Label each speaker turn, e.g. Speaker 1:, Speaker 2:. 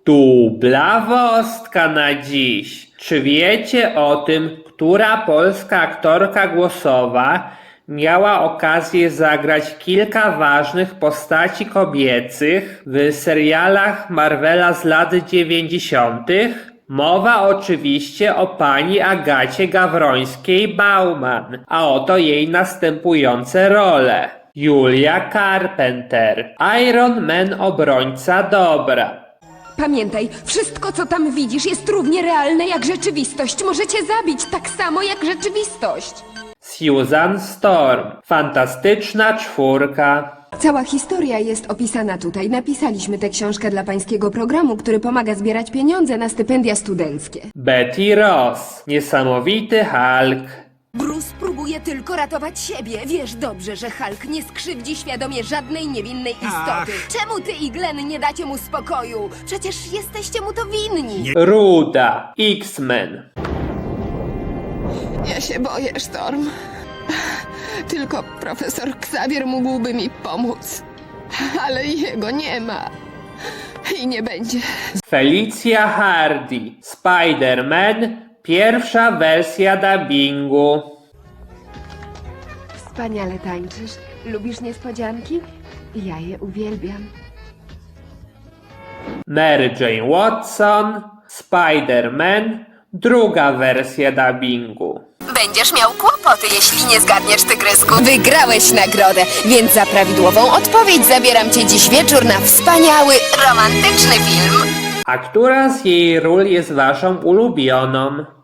Speaker 1: Dubla na dziś. Czy wiecie o tym, która polska aktorka głosowa miała okazję zagrać kilka ważnych postaci kobiecych w serialach Marvela z lat 90.? Mowa oczywiście o pani Agacie Gawrońskiej-Bauman, a oto jej następujące role. Julia Carpenter, Iron Man obrońca dobra.
Speaker 2: Pamiętaj, wszystko co tam widzisz jest równie realne jak rzeczywistość. Możecie zabić tak samo jak rzeczywistość.
Speaker 1: Susan Storm, fantastyczna czwórka.
Speaker 2: Cała historia jest opisana tutaj. Napisaliśmy tę książkę dla pańskiego programu, który pomaga zbierać pieniądze na stypendia studenckie.
Speaker 1: Betty Ross, niesamowity Hulk.
Speaker 2: Bruce próbuje tylko ratować siebie. Wiesz dobrze, że Hulk nie skrzywdzi świadomie żadnej niewinnej istoty. Czemu ty i Glenn nie dacie mu spokoju? Przecież jesteście mu to winni.
Speaker 1: Ruda, X-Men.
Speaker 3: Ja się boję, Storm. Tylko profesor Xavier mógłby mi pomóc. Ale jego nie ma. I nie będzie.
Speaker 1: Felicia Hardy, Spider-Man, pierwsza wersja dubbingu.
Speaker 2: Wspaniale tańczysz. Lubisz niespodzianki? Ja je uwielbiam.
Speaker 1: Mary Jane Watson, Spider-Man, druga wersja dubbingu.
Speaker 2: Będziesz miał kłopoty, jeśli nie zgadniesz, tygrysku. Wygrałeś nagrodę, więc za prawidłową odpowiedź zabieram cię dziś wieczór na wspaniały, romantyczny film.
Speaker 1: A która z jej ról jest waszą ulubioną?